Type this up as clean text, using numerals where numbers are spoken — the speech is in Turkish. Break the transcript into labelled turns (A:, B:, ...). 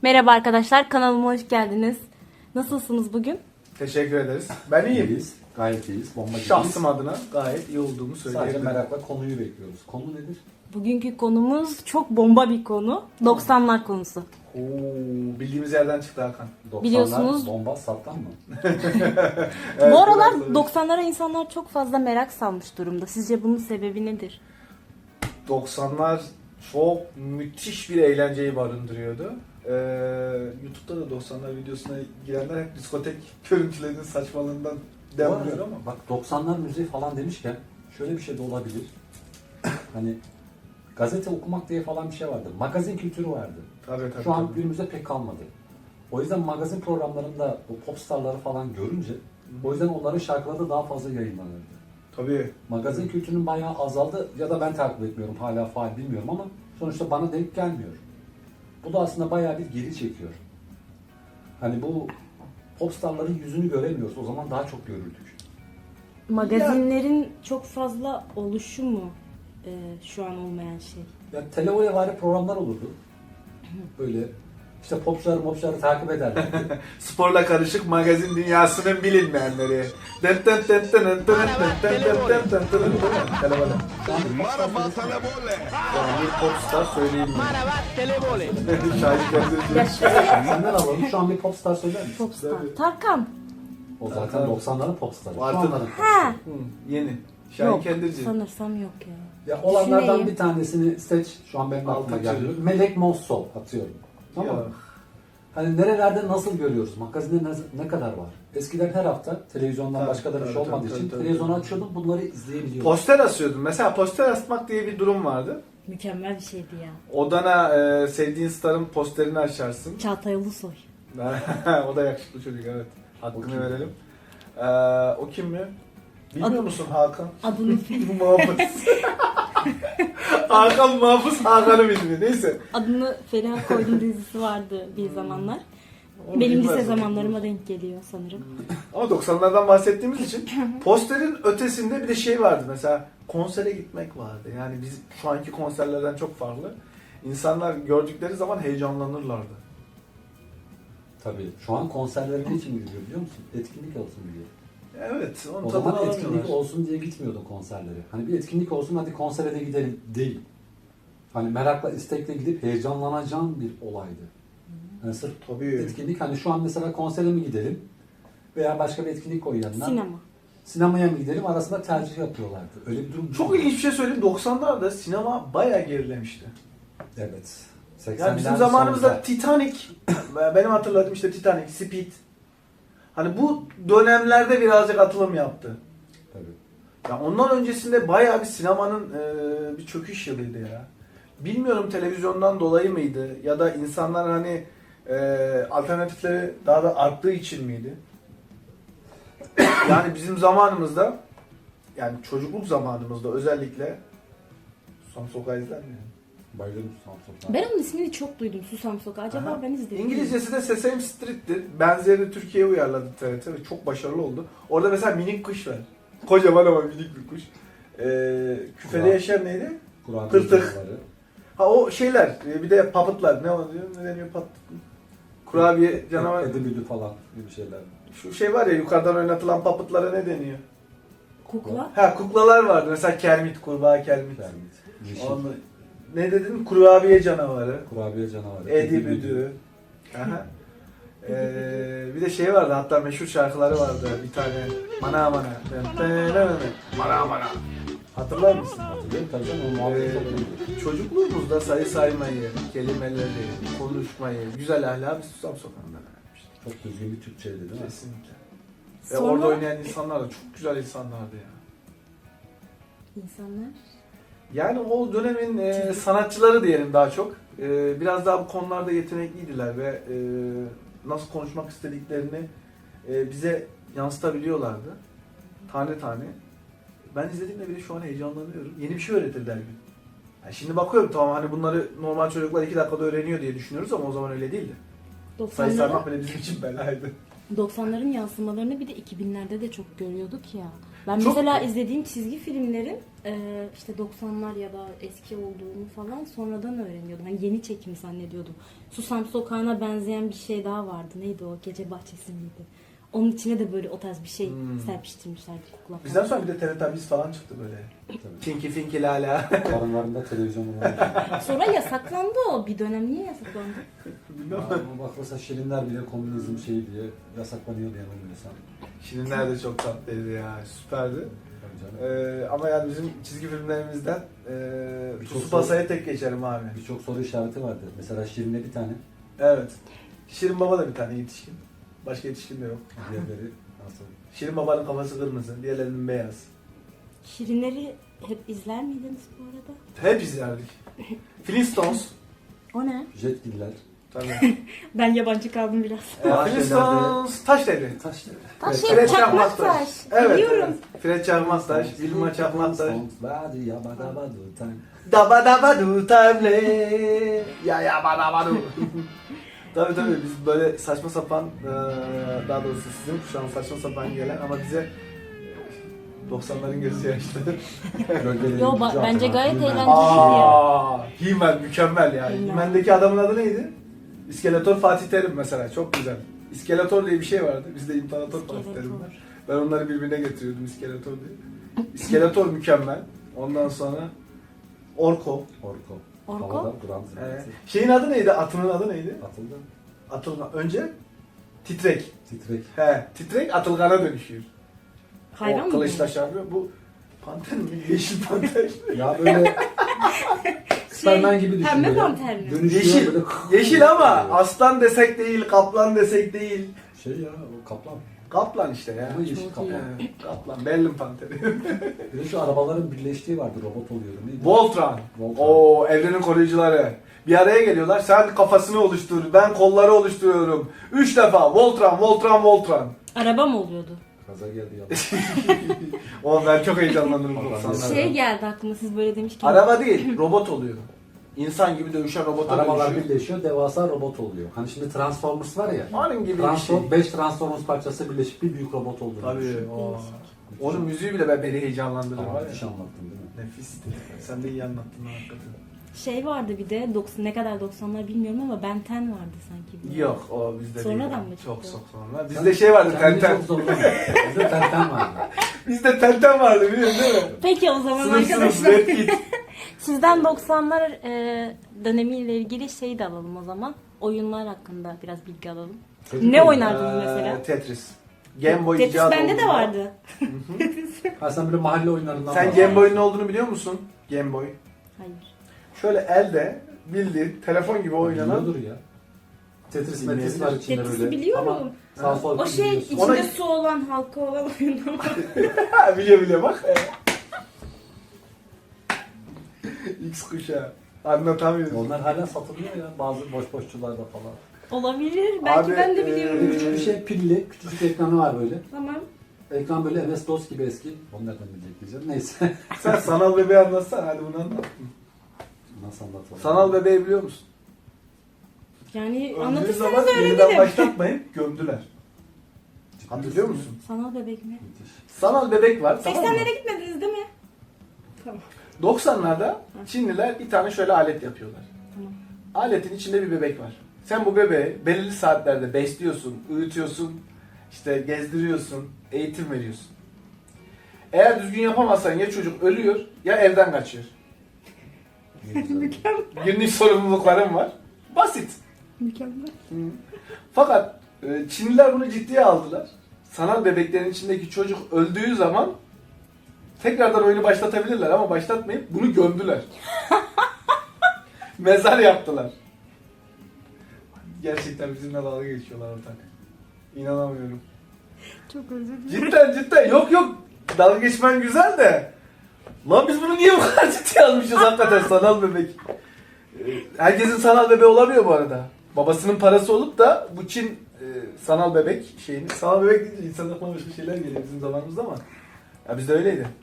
A: Merhaba arkadaşlar, kanalıma hoş geldiniz. Nasılsınız bugün?
B: Teşekkür ederiz. Ben iyiyim.
C: İyiyiz. Gayet iyiyiz. Bomba gibiyiz.
B: Şahsım adına gayet iyi olduğumu
C: Sadece
B: söyleyebilirim.
C: merakla konuyu bekliyoruz. Konu nedir?
A: Bugünkü konumuz çok bomba bir konu. 90'lar konusu.
B: Oo, bildiğimiz yerden çıktı Hakan.
C: 90'lar
A: Biliyorsunuz-
C: bomba sattan mı?
B: Evet,
A: Bu aralar
B: biraz tabii.
A: 90'lara insanlar çok fazla merak salmış durumda. Sizce bunun sebebi nedir?
B: 90'lar çok müthiş bir eğlenceyi barındırıyordu. YouTube'da da 90'lar videosuna girenler hep diskotek görüntülerinin saçmalığından
C: Bu arada
B: demliyor ama.
C: bak 90'lar müziği falan demişken şöyle bir şey de olabilir. Hani gazete okumak diye falan bir şey vardı. Magazin kültürü vardı.
B: Tabii.
C: Şu an günümüzde pek kalmadı. O yüzden magazin programlarında bu popstarları falan görünce o yüzden onların şarkıları da daha fazla yayınlanırdı.
B: Tabii.
C: Magazin kültürünün bayağı azaldı ya da ben takip etmiyorum, hala faal bilmiyorum ama sonuçta bana denk gelmiyor. Bu da aslında bayağı bir geri çekiyor. Hani bu popstarların yüzünü göremiyoruz. O zaman daha çok görürdük.
A: Magazinlerin çok fazla oluşu mu şu an olmayan şey?
C: Ya televolevari programlar olurdu. Böyle işte popçuları takip ederlerdi.
B: Sporla karışık magazin dünyasının bilinmeyenleri. Telefonu. Bir popstar söyleyeyim mi? Şahit
A: Ya
B: kendisi.
A: şöyle
C: Senden alalım. Şu an bir popstar söyler misin?
A: popstar.
B: Tabii.
A: Tarkan.
C: O zaten 90'ların popstarı. Şu
B: Artık-
C: anların
A: Ha.
B: Yeni. Şahin
A: Yok.
B: Kendirci.
A: Sanırsam yok ya.
C: Ya olanlardan
A: Düşüneyim.
C: bir tanesini seç. Şu an benim aklıma
B: Altı
C: geldi.
B: çocuk.
C: Melek Mosso atıyorum. Tamam mı?
B: Ya.
C: Hani nerelerde nasıl görüyoruz? Magazinde ne kadar var? Eskiden her hafta televizyondan
B: Tabii,
C: başka da bir şey
B: tabii,
C: olmadığı
B: tabii,
C: için
B: tabii,
C: televizyonu
B: tabii.
C: açıyordum, bunları izleyebiliyordum.
B: Poster asıyordum. Mesela poster asmak diye bir durum vardı.
A: Mükemmel bir şeydi ya.
B: Odana sevdiğin starın posterini açarsın.
A: Çağatay Ulusoy.
B: O da yakışıklı çocuk, evet.
C: O
B: Hakkını
C: kim?
B: verelim. O kim mi? Bilmiyor
A: Adı-
B: musun Hakan?
A: Adını
B: Muhafız. Hakan Muhafız, Hakan'ın ismi. Neyse.
A: Adını Feriha Koydum dizisi vardı bir zamanlar.
B: Onu
A: Benim lise
B: bilmez.
A: zamanlarıma denk geliyor sanırım.
B: Ama 90'lardan bahsettiğimiz için posterin ötesinde bir de şey vardı. Mesela konsere gitmek vardı. Yani biz şu anki konserlerden çok farklı. İnsanlar gördükleri zaman heyecanlanırlardı.
C: Tabii. Şu an konserlere ne için gidiyor biliyor musun? Etkinlik olsun diye.
B: Evet, onun
C: O
B: tadını
C: zaman etkinlik
B: alamıyorlar.
C: olsun diye gitmiyordun konserlere. Hani bir etkinlik olsun, hadi konsere de gidelim değil. Hani merakla, istekle gidip heyecanlanacağın bir olaydı. Yani sırf
B: Tabii.
C: etkinlik, hani şu an mesela konsere mi gidelim veya başka bir etkinlik koy yanına.
A: Sinema.
C: Sinemaya mı gidelim arasında tercih yapıyorlardı. Öyle bir durum
B: Çok ilginç bir şey söyleyeyim. 90'larda sinema bayağı gerilemişti.
C: Evet.
B: Yani bizim
C: 80'ler
B: zamanımızda
C: sonunda.
B: Titanic, benim hatırladığım işte Titanic, Speed. Hani bu dönemlerde birazcık atılım yaptı.
C: Tabii.
B: Ya ondan öncesinde bayağı bir sinemanın bir çöküş yılıydı ya. Bilmiyorum televizyondan dolayı mıydı ya da insanlar hani alternatifleri daha da arttığı için miydi? Yani bizim zamanımızda, yani çocukluk zamanımızda özellikle Susam Sokağı izler mi?
C: Bayılırım Samsun'dan.
A: Ben onun ismini çok duydum, Susam Sokağı. Acaba
B: Aha.
A: ben izledim.
B: İngilizcesi de Sesame Street'tir. Benzerini Türkiye'ye uyarladı TRT ve çok başarılı oldu. Orada mesela minik kuş var. Kocaman ama minik bir kuş. Küfede
C: Kulağı.
B: yaşayan neydi?
C: Kur'an
B: Tırtık.
C: canavarı.
B: Ha o şeyler, bir de puppet'lar. Ne oluyor? Ne deniyor puppet? Kurabiye canavar.
C: Edebili falan gibi şeyler.
B: Şu şey var ya, yukarıdan oynatılan puppet'lara ne deniyor?
A: Kukla.
B: Ha, kuklalar vardı. Mesela Kermit, kurbağa Kermit.
C: Kermit. Yeşil.
B: Onu, ne dedin? Kurabiye canavarı.
C: Kurabiye canavarı.
B: Edi Büdü. Aha. Bir de şey vardı, hatta meşhur şarkıları vardı bir tane. Mana mana. Mana mana. Hatırlar mısın?
C: Hatırlıyorum tabii canım. O muhabbet çok iyiydi.
B: Çocukluğumuzda sayı saymayı, kelimeleri, konuşmayı, güzel ahlakı biz Susam Sokağı'ndan öğrenmiştik.
C: Çok düzgün bir Türkçeydi değil mi?
B: Kesinlikle. Ve
A: Sonra
B: orada oynayan insanlar da çok güzel insanlardı ya.
A: insanlar.
B: Yani o dönemin sanatçıları diyelim daha çok. Biraz daha bu konularda yetenekliydiler ve nasıl konuşmak istediklerini bize yansıtabiliyorlardı. Tane tane. Ben izlediğimde bile şu an heyecanlanıyorum. Yeni bir şey öğretirdi her gün. Yani şimdi bakıyorum, tamam hani bunları normal çocuklar 2 dakikada öğreniyor diye düşünüyoruz ama o zaman öyle değildi. Sayı saymak
A: 90'ların,
B: bile bizim için belaydı.
A: 90'ların yansımalarını bir de 2000'lerde de çok görüyorduk ya. Ben
B: Çok-
A: mesela izlediğim çizgi filmlerin işte 90'lar ya da eski olduğunu falan sonradan öğreniyordum. Hani yeni çekim zannediyordum. Susam Sokağı'na benzeyen bir şey daha vardı. Neydi o? Gece Bahçesi miydi? Onun içine de böyle o tarz bir şey serpiştirmişlerdi. Kukla falan.
B: Bizden sonra bir de Teletubbies falan çıktı böyle.
C: Tabii.
B: Tinky Finky Lala.
C: Karınlarında televizyon olan.
A: Sonra yasaklandı o. Bir dönem niye yasaklandı?
B: Bilmem.
C: Bak mesela Şirinler bile komünizm şeyi diye yasaklanıyordu yanılmıyorsam.
B: Şirinler de çok tatlıydı ya. Süperdi.
C: Tabii canım.
B: Ama yani bizim çizgi filmlerimizden
C: Birçok
B: Tsubasa'ya tek geçerim abi.
C: Birçok soru işareti vardı. Mesela Şirin'e bir tane,
B: Evet. Şirin Baba da bir tane yetişkin. Başka yetişkin de yok.
C: diğerleri nasıl?
B: Şirin Baba'nın kafası kırmızı, diğerlerinin beyaz.
A: Şirinleri hep izler miydiniz bu arada?
B: Hep izlerdik. Flintstones.
A: O ne?
C: Jetgiller.
B: Tabii.
A: Ben yabancı kaldım biraz.
B: Flintstones. Taş devri.
C: Taş devri.
A: Taş
B: Fred
A: devri, çakmak
B: Çakmaktaş.
A: taş.
B: Evet,
A: Biliyorum.
B: evet. Fred Çakmaktaş, Vilma Çakmaktaş.
C: Tabii
B: Daba daba du table. Ya ya bana bana. Tabii biz böyle saçma sapan daha doğrusu sizin şu an saçma sapan gelen ama bize 90'ların gözü yaşlı.
A: Yo, bence gayet eğlenceli.
B: He-Man mükemmel ya.
A: He-Man.
B: He-Man'deki adamın adı neydi? İskeletor Fatih Terim mesela çok güzel. İskeletor diye bir şey vardı. Bizde İmparator Fatih Terim var. Ben onları birbirine getiriyordum İskeletor diye. İskeletor mükemmel. Ondan sonra Orko.
C: Orko.
A: Orko?
C: Havada duran zırhlısı.
B: Şeyin adı neydi? Atının adı neydi?
C: Atıldı.
B: Atılgan. Önce Titrek.
C: Titrek.
B: Titrek Atılgan'a dönüşüyor.
A: Hayvan
B: O
A: mı?
B: kılıçla çarpıyor. Bu panter mi? Yeşil panter.
C: Ya böyle Superman gibi düşün.
A: Pembe
C: böyle.
A: panter mi?
C: Dönüşüyor
B: Yeşil.
C: böyle.
B: Yeşil ama aslan desek değil, kaplan desek değil.
C: Şey ya o kaplan.
B: Kaplan işte ya.
C: Ama yeşil
A: Çok
C: kaplan.
B: Kaplan, Berlin panteri.
C: Bir de şu arabaların birleştiği vardı, robot oluyordu. Neydi?
B: Voltron.
C: Voltron.
B: Oo, evrenin koruyucuları. Bir araya geliyorlar. Sen kafasını oluştur, ben kolları oluşturuyorum. 3 defa Voltron, Voltron, Voltron.
A: Araba mı oluyordu?
C: Kaza geldi ya.
B: O ben çok heyecanlanırım
C: Vallahi
B: 90'larda.
A: Şey geldi aklıma siz böyle demişken.
B: Araba değil, robot oluyor. İnsan gibi dövüşen robota
C: Arabalar
B: dönüşüyor.
C: birleşiyor, devasa robot oluyor. Hani şimdi Transformers var ya.
B: Onun gibi bir şey.
C: 5 Transformers parçası birleşip bir büyük robot olduğunu
B: Tabii.
C: düşün.
B: O. Onun müziği bile beni heyecanlandırır.
C: Ama
B: var ya.
C: müthiş anlattın değil mi?
B: Nefisti. Sen de iyi anlattın hakikaten.
A: Şey vardı bir de 90 ne kadar 90'lar bilmiyorum ama Ben 10 vardı sanki.
B: Yok o bizde
A: Sonradan
B: değil.
A: mı
B: Çok
A: çıktı?
B: sonra. Bizde şey vardı
C: Kendini
B: Tenten.
C: çok zorlama. Bizde Tenten vardı.
B: Bizde Tenten vardı biliyorsun değil mi?
A: Peki o zaman
B: Sınırsız
A: arkadaşlar
B: Red Kit.
A: sizden 90'lar dönemiyle ilgili şey de alalım o zaman. Oyunlar hakkında biraz bilgi alalım.
C: Çocuk
A: Ne
C: oyunu.
A: oynardınız mesela?
B: Tetris. Game Boy
A: Tetris
B: icadı
A: bende de
B: olduğunda-
A: vardı.
C: Ha sen böyle mahalle oyunlarından
B: Sen
C: var.
B: Game Boy'un ne olduğunu biliyor musun? Game Boy.
A: Hayır.
B: Şöyle elde bildiğin telefon gibi oynanan.
C: Biliyordur ya. Tetris Metris var içinde
A: Tetris'i
C: böyle.
A: biliyorum.
C: Ama sağ sol
A: O şey
C: biliyorsun.
A: içinde
B: Ona-
A: su olan halka olan oyundan var.
B: Ha, biliyor bak. X kuşağı. Anlatamıyorum.
C: Onlar hala satılıyor ya bazı boş boşçularda falan.
A: Olabilir. Belki
B: Abi,
A: ben de biliyorum.
C: Küçük bir şey pilli, küçücük ekranı var böyle.
A: Tamam.
C: Ekran böyle MS-DOS gibi eski. Onu nereden bilecek diyeceğim. Neyse.
B: Sen sanal bebeği anlatsana hadi bunu anlat.
C: Nasıl anlatalım?
B: Sanal bebeği biliyor musun?
A: Yani
B: Öldüğü
A: anlatırsanız
B: zaman yeniden
A: öğrenirim.
B: başlatmayıp gömdüler. Hatırlıyor musun?
A: Sanal bebek mi?
C: Müthiş.
B: Sanal bebek var tamam mı?
A: 80'lere gitmediniz değil mi? Tamam.
B: 90'larda Çinliler bir tane şöyle alet yapıyorlar.
A: Tamam.
B: Aletin içinde bir bebek var. Sen bu bebeği belirli saatlerde besliyorsun, uyutuyorsun, işte gezdiriyorsun, eğitim veriyorsun. Eğer düzgün yapamazsan ya çocuk ölüyor ya evden kaçıyor.
C: Ne güzel.
B: Günlük sorumluluklarım var. Basit.
A: Mükemmel.
B: Fakat Çinliler bunu ciddiye aldılar. Sanal bebeklerin içindeki çocuk öldüğü zaman tekrardan oyunu başlatabilirler ama başlatmayıp bunu gömdüler. Mezar yaptılar. Gerçekten bizimle dalga geçiyorlar ortak. İnanamıyorum.
A: Çok özür dilerim.
B: Cidden yok dalga geçmen güzel de. Lan biz bunu niye bu kadar ciddiye almışız hakikaten sanal bebek. Herkesin sanal bebeği olamıyor bu arada. Babasının parası olup da bu Çin sanal bebek şeyini. Sanal bebek deyince insan aklına başka şeyler geliyor bizim zamanımızda ama. Ya bizde öyleydi.